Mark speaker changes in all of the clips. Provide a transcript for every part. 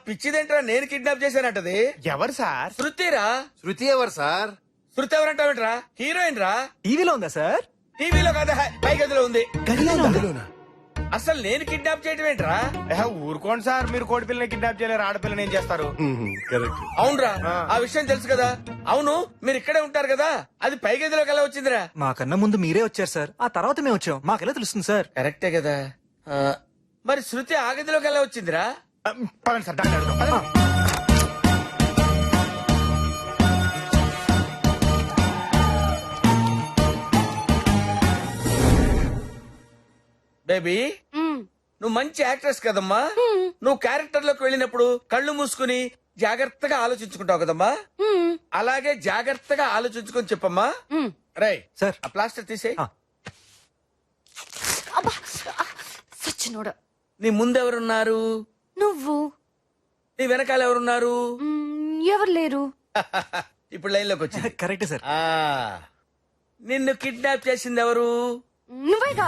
Speaker 1: పిచ్చిదేంట్రా నేను కిడ్నాప్ చేశానంటది.
Speaker 2: ఎవరు సార్?
Speaker 1: శృతిరా.
Speaker 3: శృతి ఎవరు సార్?
Speaker 1: శృతి ఎవరంటావేంట్రా? హీరోయిన్ రా.
Speaker 2: టీవీలో ఉందా సార్?
Speaker 1: టీవీలో కదా, పై గదిలో ఉంది.
Speaker 3: గదిలోనా?
Speaker 1: అసలు నేను కిడ్నాప్ చేయటం ఏంట్రా?
Speaker 2: ఊరుకోండి సార్, మీరు కోడి పిల్లని కిడ్నాప్ చేయలేరు, ఆడపిల్లని ఏం చేస్తారు?
Speaker 3: కరెక్ట్.
Speaker 1: అవునరా, ఆ విషయం తెలుసు కదా. అవును, మీరు ఇక్కడే ఉంటారు కదా, అది పై గదిలోకి ఎలా వచ్చిందిరా?
Speaker 4: మాకన్నా ముందు మీరే వచ్చారు సార్, ఆ తర్వాత మేము వచ్చాం. మాకెలా తెలుస్తుంది సార్?
Speaker 1: కరెక్టే కదా. మరి శృతి ఆ గదిలోకి ఎలా వచ్చిందిరా?
Speaker 2: పదండి సార్, డాక్టర్ అడుగుదాం. పదండి.
Speaker 1: బేబీ, నువ్వు మంచి యాక్ట్రెస్ కదమ్మా. నువ్వు క్యారెక్టర్ లోకి వెళ్ళినప్పుడు కళ్ళు మూసుకుని జాగ్రత్తగా ఆలోచించుకుంటావు కదమ్మా. అలాగే జాగ్రత్తగా ఆలోచించుకొని చెప్పమ్మా. రై
Speaker 4: సార్.
Speaker 1: ఆ ప్లాస్టర్ తీసేయ్.
Speaker 5: సచ్చినోడా.
Speaker 1: నీ ముందెవరున్నారు?
Speaker 5: నువ్వు.
Speaker 1: నీ వెనకాల ఎవరున్నారు?
Speaker 5: ఎవరు లేరు.
Speaker 1: ఇప్పుడు లైన్ లోకి వచ్చింది.
Speaker 4: కరెక్టే సార్.
Speaker 1: ఆ, నిన్ను కిడ్నాప్ చేసింది ఎవరు?
Speaker 5: నువ్వేగా.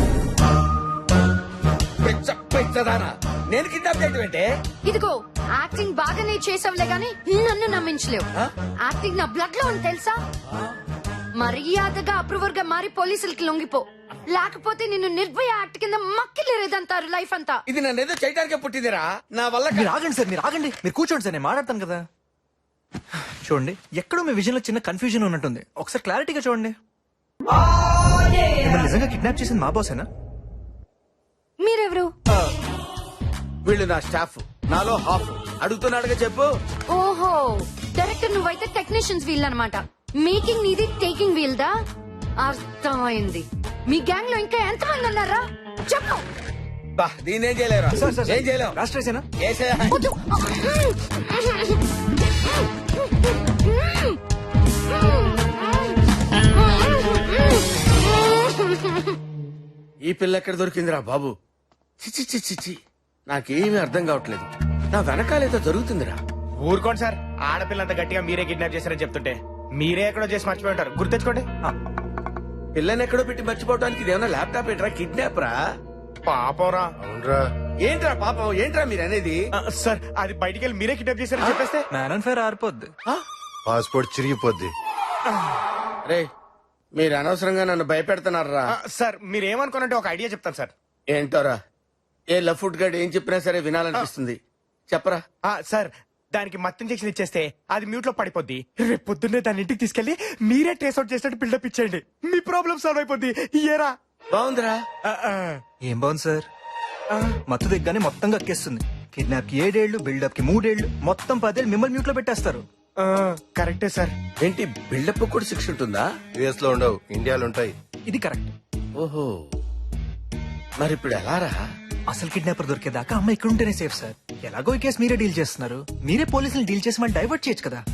Speaker 1: పెచ్చదానా, నేను కిడ్నాప్ చేయటం ఏంటే?
Speaker 5: ఇదిగో యాక్టింగ్ బాగానే చేసావులే గాని నన్ను నమ్మించలేవు. యాక్టింగ్ నా బ్లడ్ లో ఉంది తెలుసా. మర్యాదగా అప్రూవర్ గా మారి పోలీసులకి లొంగిపో, లేకపోతే నిన్ను నిర్భయ యాక్ట్ కింద మక్కిలేరేదంటారు లైఫ్ అంతా.
Speaker 1: ఇది నన్ను ఏదో చేయడానికే పుట్టిందిరా, నా వల్ల
Speaker 4: మీరు ఆగండి సార్, మీరు ఆగండి. మీరు కూర్చోండి సార్, నేను మాట్లాడతాను కదా. చూడండి, ఎక్కడో మీ విజన్ లో చిన్న కన్ఫ్యూజన్ ఉన్నట్టుంది. ఒకసారి క్లారిటీగా చూడండి. మిమ్మల్ని నిజంగా కిడ్నాప్ చేసింది మా బాసేనా?
Speaker 5: మీరెవరు?
Speaker 1: వీళ్ళు నా స్టాఫ్, నాలో హాఫ్. అడుగుతున్నాడుగా చెప్పు.
Speaker 5: ఓహో, డైరెక్టర్ నువ్వైతే టెక్నీషియన్స్ వీల్ అన్నమాట. మేకింగ్ నీది, టేకింగ్ వీల్ దా. అర్థమైంది. మీ గ్యాంగ్ లో ఇంకా ఎంతమంది ఉన్నారా చెప్పు.
Speaker 1: బా, దీన్నేం చేయలేరా?
Speaker 4: సార్, సార్,
Speaker 1: ఏం చేయలేం.
Speaker 4: రాష్ట్రేసేనా?
Speaker 1: ఏసేయ్.
Speaker 5: వద్దు.
Speaker 1: ఈ పిల్ల ఎక్కడ దొరికిందిరా బాబు? చిచి చిచి చి, నాకేమీ అర్థం కావట్లేదు. నా వెనకాలేదో జరుగుతుందిరా.
Speaker 2: ఊరుకోండి సార్, ఆడపిల్లంత గట్టిగా మీరే కిడ్నాప్ చేశారని చెప్తుంటే మీరే ఎక్కడో చేసి మర్చిపోయి ఉంటారు. గుర్తెచ్చుకోండి.
Speaker 1: పిల్లని ఎక్కడో పెట్టి మర్చిపోవడానికి ఇదేమన్నా ల్యాప్టాప్ ఏంట్రా? కిడ్నాప్ రా.
Speaker 2: పాపరా.
Speaker 3: అవునరా.
Speaker 1: ఏంట్రా పాపం? ఏంట్రా మీరు అనేది?
Speaker 2: సార్, అది బయటికి వెళ్ళి మీరే కిడ్నాప్ చేశారని చెప్పేస్తే
Speaker 4: మ్యాన్ అండ్ ఫైర్ ఆరిపోద్ది.
Speaker 3: పాస్పోర్ట్ చిరిగిపోద్ది.
Speaker 1: రే, మీరు అనవసరంగా నన్ను భయపెడుతున్నారా?
Speaker 2: సార్, మీరేమనుకోనంటే ఒక ఐడియా చెప్తాను సార్.
Speaker 1: ఏంటోరా? ఏ లఫుట్ గడ్ ఏం చెప్పినా సరే వినాలనిపిస్తుంది. చెప్పరా.
Speaker 2: సార్, దానికి మత్తు ఇంజెక్షన్ ఇచ్చేస్తే అది మ్యూట్ లో పడిపోద్ది. రేపు పొద్దున్నే దాని ఇంటికి తీసుకెళ్లి మీరే ట్రేస్ అవుట్ చేసినట్టు బిల్డప్ ఇచ్చేయండి. మీ ప్రాబ్లం సాల్వ్ అయిపోద్ది. ఇయ్యరా.
Speaker 1: బాగుందిరా.
Speaker 4: ఏం బాగుంది సార్? మత్తు దిగ్గానే మొత్తం కక్కేస్తుంది. కిడ్నాప్ కి 7 ఏళ్లు, బిల్డప్ కి 3 ఏళ్లు, మొత్తం 10 ఏళ్లు మిమ్మల్ని మ్యూట్ లో పెట్టేస్తారు.
Speaker 2: కరెక్టే సార్.
Speaker 1: ఏంటి బిల్డప్ కూడా శిక్ష ఉంటుందా?
Speaker 3: యుఎస్ లో ఉండవు, ఇండియాలో ఉంటాయి.
Speaker 4: ఇది కరెక్ట్.
Speaker 1: ఓహో, మరి ఇప్పుడు ఎలా రా?
Speaker 4: అసలు కిడ్నాపర్ దొరికేదాకా అమ్మ ఇక్కడ ఉంటేనే సేఫ్ సార్. ఎలాగో ఈ కేసు మీరే డీల్ చేస్తున్నారు, మీరే పోలీసులు డీల్ చేసి మళ్ళీ డైవర్ట్ చేయొచ్చు కదా.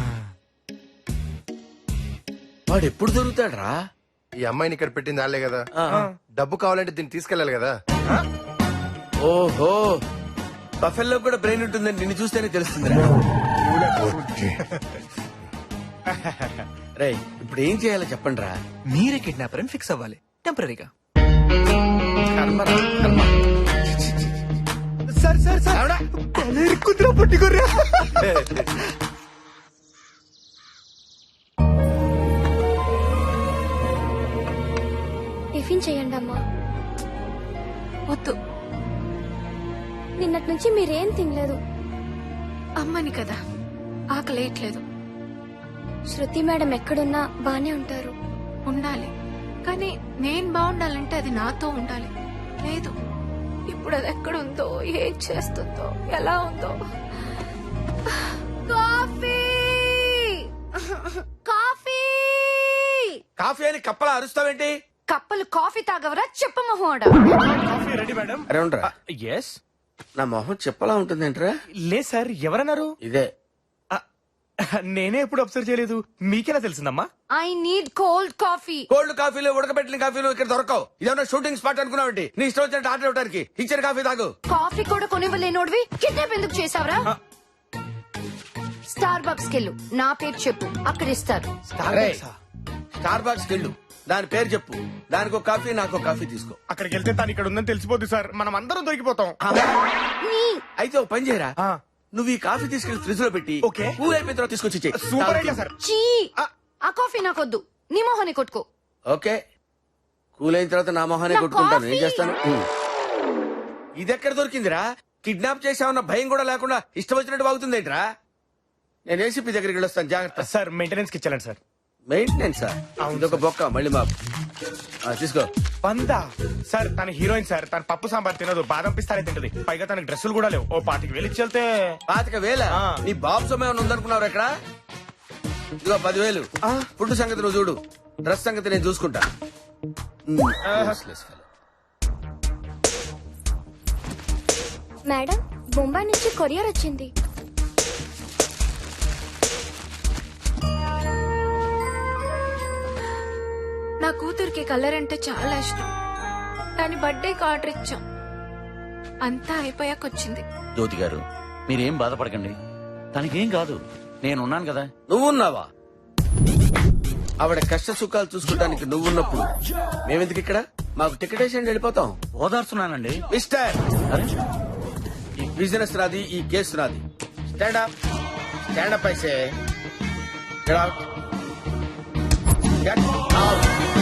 Speaker 1: వాడు ఎప్పుడు దొరుకుతాడ్రా?
Speaker 3: ఈ అమ్మాయిని ఇక్కడ పెట్టింది వాళ్ళే కదా. డబ్బు కావాలంటే దీన్ని తీసుకెళ్లాలి కదా.
Speaker 1: ఓహో, బఫెల్లో కూడా బ్రెయిన్ ఉంటుందని నిన్ను చూస్తేనే తెలుస్తుంది. రే, ఇప్పుడు ఏం చేయాలో చెప్పండి రా.
Speaker 4: మీరే కిడ్నాపర్ అని ఫిక్స్ అవ్వాలి టెంపరీగా.
Speaker 2: సార్ సార్ సార్, కుదిరా పట్టుకోర్రా.
Speaker 6: టిఫిన్ చేయండి అమ్మా.
Speaker 5: వద్దు,
Speaker 6: నిన్నటి నుంచి మీరేం తినలేదు.
Speaker 5: అమ్మని కదా, ఆకలేయట్లేదు.
Speaker 6: శృతి మేడం ఎక్కడున్నా బానే ఉంటారు.
Speaker 5: ఉండాలి, కానీ నేను బాగుండాలంటే అది నాతో ఉండాలి. లేదు, ఇప్పుడు అది ఎక్కడుందో, ఏం చేస్తుందో, ఎలా ఉందో. కాఫీ కాఫీ
Speaker 1: కాఫీ అని కప్పలా అరుస్తావేంటి?
Speaker 5: కప్పలు కాఫీ తాగవరా చెప్ప మొహోడ.
Speaker 2: Coffee ready madam.
Speaker 1: అరే ఉండరా.
Speaker 2: ఎస్.
Speaker 1: నా మొహం చెప్పలా ఉంటుందేంట్రా?
Speaker 2: లేదు సార్, ఎవరన్నారు?
Speaker 1: ఇదే.
Speaker 2: నేనే ఎప్పుడు అబ్జర్వ్ చేయలేదు, మీకెలా తెలిసిందమ్మా?
Speaker 5: I need cold coffee.
Speaker 1: Cold కాఫీలు, ఉడకబెట్టిన కాఫీలు ఇక్కడ దొరకవు. ఇదేమన్నా షూటింగ్ స్పాట్ అనుకున్నావంటి? నీ ఇష్టం వచ్చినట్టు ఆర్డర్ ఇవ్వడానికి. ఇచ్చిన కాఫీ తాగు.
Speaker 5: కాఫీ కూడా కొనివ్వలేనోడివి కిడ్నాప్ ఎందుకు చేసావరా? స్టార్ బక్స్ కెళ్ళు, నా పేరు చెప్పు, అక్కడ ఇస్తారు.
Speaker 1: స్టార్ బాక్స్ వెళ్ళు, దాని పేరు చెప్పు. దానికి ఒక కాఫీ, నాకు ఒక కాఫీ తీసుకో.
Speaker 2: అక్కడికి వెళ్తే తను ఇక్కడ ఉందని తెలిసిపోద్ది సార్, మనం అందరం దొరికిపోతాం.
Speaker 1: అయితే ఒక పని చేయరా,
Speaker 2: ఆ.
Speaker 1: నువ్వు ఈ కాఫీ తీసుకెళ్లి ఫ్రిడ్జ్ లో పెట్టి
Speaker 2: ఓకే.
Speaker 1: కూల్ అయిపోయిన తర్వాత తీసుకొచ్చి ఇచ్చేయ్.
Speaker 2: Super idea sir.
Speaker 5: చీ ఆ కాఫీ నాకొద్దు, నీ మొహాన్ని కొట్టుకో.
Speaker 1: ఓకే, కూల్ అయిన తర్వాత నా మొహానే
Speaker 5: నా
Speaker 1: కొట్టుకుంటాను. ఏం
Speaker 5: కాఫీ.
Speaker 1: చేస్తాను? ఇది ఎక్కడ దొరికిందిరా? కిడ్నాప్ చేసామన్న భయం కూడా లేకుండా ఇష్టం వచ్చినట్టు వాగుతుందేంట్రా? నేను ఏసీపీ దగ్గరికి వెళ్ళొస్తాను, జాగ్రత్త.
Speaker 2: సార్ మెయింటెనెన్స్ కి ఇచ్చాను సార్.
Speaker 1: మెయింటెనెన్స్ ఇదొక బొక్క మళ్ళీ మాకు. తీసుకో.
Speaker 2: వందా సార్, తన హీరోయిన్ సార్, తన పప్పు సాంబార్ తినదు, బాదం పిస్తానే తింటది, పైగా తనకి డ్రెస్సులు కూడా లేవు. ఓ 25,000 ఇచ్చి వెళ్తే
Speaker 1: 25,000
Speaker 2: ఆ.
Speaker 1: నీ బాబు సమయం ఉందనుకున్నావు ఎక్కడ? ఇదిగో 10,000.
Speaker 2: ఆ.
Speaker 1: ఫుడ్ సంగతి నువ్వు చూడు, డ్రెస్ సంగతి నేను చూసుకుంటా. Useless fellow.
Speaker 6: మేడం, బొంబాయి నుంచి కొరియర్ వచ్చింది.
Speaker 7: నా కూతురికి కలర్ అంటే చాలా ఇష్టం. దాని బర్త్డేకి ఆర్డర్ ఇచ్చాం, అంతా అయిపోయాక వచ్చింది.
Speaker 8: జ్యోతి గారు, మీరేం బాధపడకండి, తనకేం కాదు, నేనున్నాను కదా.
Speaker 1: నువ్వున్నావా? ఆవిడ కష్ట సుఖాలు చూసుకోవడానికి నువ్వున్నప్పుడు మేమెందుకు ఇక్కడ? మాకు టికెట్ వేసి వెళ్ళిపోతాం.
Speaker 8: ఓదార్చున్నానండి.
Speaker 1: మిస్టర్,
Speaker 8: అరే,
Speaker 1: ఈ బిజినెస్ నాది, ఈ కేసు నాది. స్టాండ్ అప్, స్టాండ్ అప్ అయితే. Get out. Get out.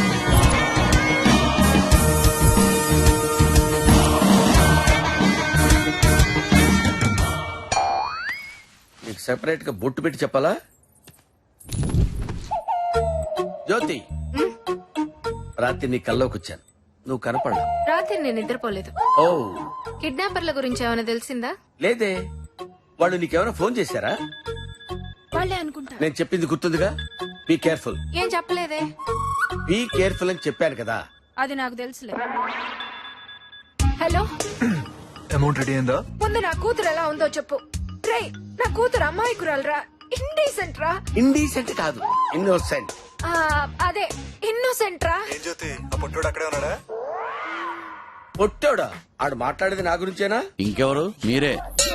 Speaker 1: నీకు సెపరేట్ గా బొట్టు పెట్టి చెప్పాలా? జ్యోతి, రాత్రి నీ కల్లోకి వచ్చాను, నువ్వు కనపడలా.
Speaker 7: రాత్రి నేను నిద్రపోలేదు.
Speaker 1: ఓ
Speaker 7: కిడ్నాపర్ల గురించి ఏమైనా తెలిసిందా?
Speaker 1: లేదే, వాళ్ళు నీకేమైనా ఫోన్ చేశారా?
Speaker 7: వాళ్ళే అనుకుంటా.
Speaker 1: నేను చెప్పింది గుర్తుందిగా? Be careful.
Speaker 7: ఏం చెప్పలేదే.
Speaker 1: బీ కేర్ఫుల్ అని చెప్పాను కదా.
Speaker 7: అది నాకు తెలుసులే. హలో,
Speaker 4: అమౌంట్ రెడీ అయిందా?
Speaker 7: ముందు నా కూతురు ఎలా ఉందో చెప్పు. రే, నా కూతురు అమ్మాయికురాలరా, ఇండీసెంట్ రా.
Speaker 1: ఇండీసెంట్ కాదు, ఇన్నోసెంట్.
Speaker 7: అదే ఇన్నోసెంట్ రా.
Speaker 4: ఏం జ్యోతి, ఆ పొట్టోడు అక్కడే ఉన్నాడా?
Speaker 1: పొట్టోడా? ఆడు మాట్లాడేది నా గురించేనా?
Speaker 8: ఇంకెవరు? మీరే.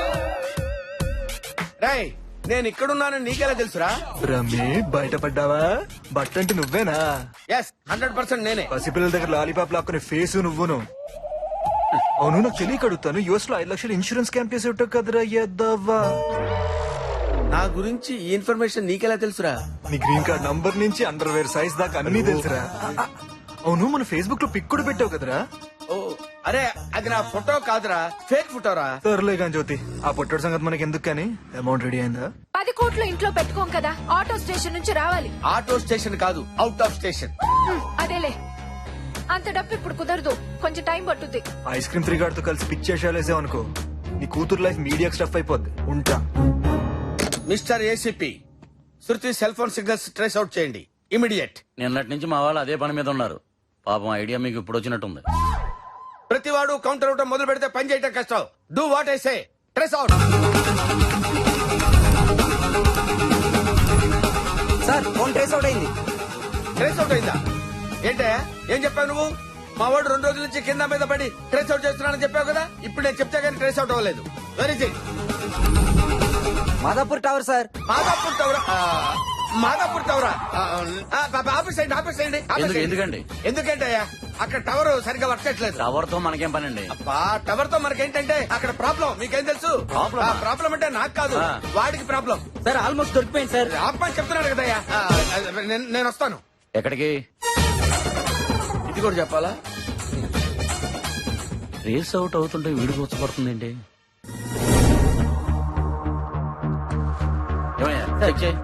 Speaker 1: రాయ్, నేను ఇక్కడున్నానని నీకెలా తెలుసురా?
Speaker 4: రమ్మి, బయటపడ్డావా? బట్ట అంటే నువ్వేనా?
Speaker 1: ఎస్, 100% నేనే.
Speaker 4: పసిపిల్లల దగ్గర లాలీపాప్ లాక్కునే ఫేసు నువ్వును. అవును, నాకు తెలియక అడుగుతాను, యుఎస్ లో 5 లక్షలు ఇన్సూరెన్స్ క్యాంప్ చేసి ఉంటావు కదరా ఎద్దవ్వా.
Speaker 1: నా గురించి ఈ ఇన్ఫర్మేషన్ నీకెలా తెలుసురా?
Speaker 4: నీ గ్రీన్ కార్డ్ నంబర్ నుంచి అండర్వేర్ సైజ్ దాకా అన్ని తెలుసురా. అవును, మన ఫేస్బుక్ లో పిక్ కూడా పెట్టావు కదరా?
Speaker 1: ఓ, అరే అది నా ఫోటో కాదురా, ఫేక్ ఫోటోరా.
Speaker 4: సర్లే కానీ జ్యోతి, ఆ పొట్టోడు సంగతి మనకి ఎందుకు కానీ, అమౌంట్ రెడీ అయిందా?
Speaker 7: 10 కోట్లు ఇంట్లో పెట్టుకోం కదా, ఆటో స్టేషన్ నుంచి రావాలి.
Speaker 1: ఆటో స్టేషన్ కాదు, అవుట్ ఆఫ్ స్టేషన్.
Speaker 7: అదేలే, అంత డబ్బు ఇప్పుడు కుదరదు, కొంచెం టైం పట్టుద్ది.
Speaker 4: ఐస్ క్రీమ్ 3 గార్డ్ తో కలిసి పిక్ చేసేసావు అనుకో, నీ కూతురు లైఫ్ మీడియా స్టఫ్ అయిపోద్ది. ఉంటా.
Speaker 1: Mister ACP, Shruti cell phone signals trace out చేయండి, ఇమిడియట్.
Speaker 8: నిన్నటి నుంచి మా వాళ్ళు అదే పని మీద ఉన్నారు. పాపం ఐడియా మీకు ఇప్పుడు వచ్చినట్టుంది.
Speaker 1: ప్రతివాడు కౌంటర్ అవటం మొదలు పెడితే పని చేయటం కష్టం. Do what I say, trace out.
Speaker 9: Sir, phone trace out అయింది.
Speaker 1: ట్రేస్ అవుట్ అయిందా? ఏంటే, ఏం చెప్పావు నువ్వు? మా వాడు 2 రోజుల నుంచి కింద మీద పడి ట్రేస్ అవుట్ చేస్తున్నానని చెప్పావు కదా. ఇప్పుడు నేను చెప్తే కానీ ట్రేస్ అవుట్ అవ్వలేదు. Very it.
Speaker 9: Madhapur tower sir.
Speaker 1: Madhapur టవరా? మాదాపూర్ టవరా? ఆఫీస్ అయ్యండి, ఆఫీస్ అయ్యండి.
Speaker 8: ఎందుకండి?
Speaker 1: ఎందుకంటే అక్కడ టవర్ సరిగ్గా వర్క్ చేయట్లేదు.
Speaker 8: టవర్ తో మనకేం పని అండి?
Speaker 1: టవర్ తో మనకేంటంటే అక్కడ ప్రాబ్లం. మీకేం తెలుసు? ప్రాబ్లం అంటే నాకు కాదు, వాడికి ప్రాబ్లం.
Speaker 9: సార్, ఆల్మోస్ట్ దొరికిపోయింది సార్.
Speaker 1: ఆపని చెప్తున్నాడు కదయ్యా. నేను వస్తాను.
Speaker 8: ఎక్కడికి?
Speaker 1: ఇది కూడా చెప్పాలా?
Speaker 8: రేస్ అవుట్ అవుతుంటే వీడికి వచ్చపడుతుందేంటి? ఏమయ్యా, చెక్ చేయి.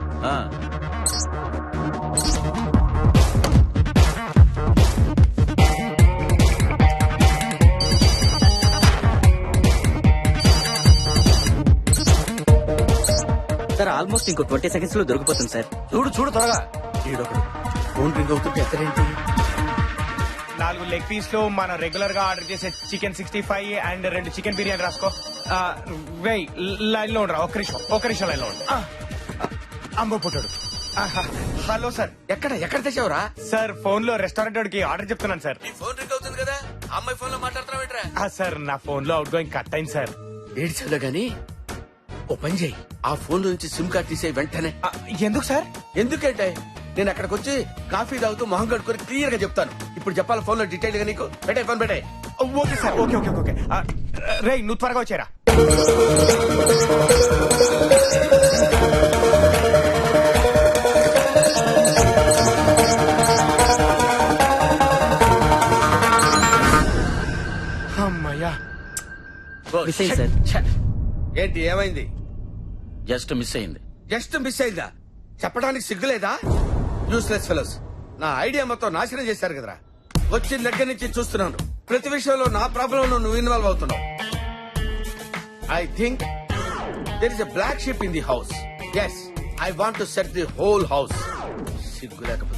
Speaker 9: సార్, ఆల్మోస్ట్ ఇంకో 20 సెకండ్స్ లో దొరికిపోతుంది సార్.
Speaker 8: చూడు చూడు త్వరగా.
Speaker 1: ఈడొకడు ఫోన్ రింగ్ అవుతుంటే ఎక్కడేంటి?
Speaker 2: 4 లెగ్ పీస్ లో మనం రెగ్యులర్ గా ఆర్డర్ చేసే చికెన్ 65 అండ్ 2 చికెన్ బిర్యానీ రాసుకో. వెయ్, లైన్ లో ఉండరా, ఒక్క నిమిషం లైన్ లో ఉండు. అంబో పుట్టాడు. Hello sir.
Speaker 1: ఎక్కడ తెచ్చావురా?
Speaker 2: సార్, ఫోన్ లో రెస్టారెంట్ కి ఆర్డర్ చెప్తున్నాను సార్.
Speaker 1: నీ ఫోన్ రింగ్ అవుతుంది కదా, అమ్మాయి ఫోన్ లో మాట్లాడుతున్నావు.
Speaker 2: సార్, నా ఫోన్ లో అవుట్ గోయింగ్ కట్ అయింది సార్.
Speaker 1: ఏడ్చాలో గాని ఓ పని చేయి, ఆ ఫోన్ నుంచి సిమ్ కార్డ్ తీసే వెంటనే.
Speaker 2: ఎందుకు సార్?
Speaker 1: ఎందుకంటే నేను అక్కడికి వచ్చి కాఫీ తాగుతూ మొహం కడుక్కొని క్లియర్ గా చెప్తాను. ఇప్పుడు చెప్పాలి ఫోన్ లో డీటెయిల్ గా నీకు. పెట్టే ఫోన్ పెట్టే.
Speaker 2: Okay sir, okay okay okay. రేయ్ నువ్వు త్వరగా వచ్చారా. అమ్మయ్యా.
Speaker 9: మిస్ అయింది సార్.
Speaker 1: ఛ! ఏంటి ఏమైంది?
Speaker 8: జస్ట్ మిస్ అయింది.
Speaker 1: జస్ట్ మిస్ అయిందా? చెప్పడానికి సిగ్గులేదా? Useless fellows. నా ఐడియా మొత్తం నాశనం చేశారు కదరా. వచ్చిన దగ్గర నుంచి చూస్తున్నాను, ప్రతి విషయంలో నా ప్రాబ్లం నువ్వు ఇన్వాల్వ్ అవుతున్నావు. I think there is a black sheep in the house. Yes, I want to set the whole house. సిగ్గు లేకపోతే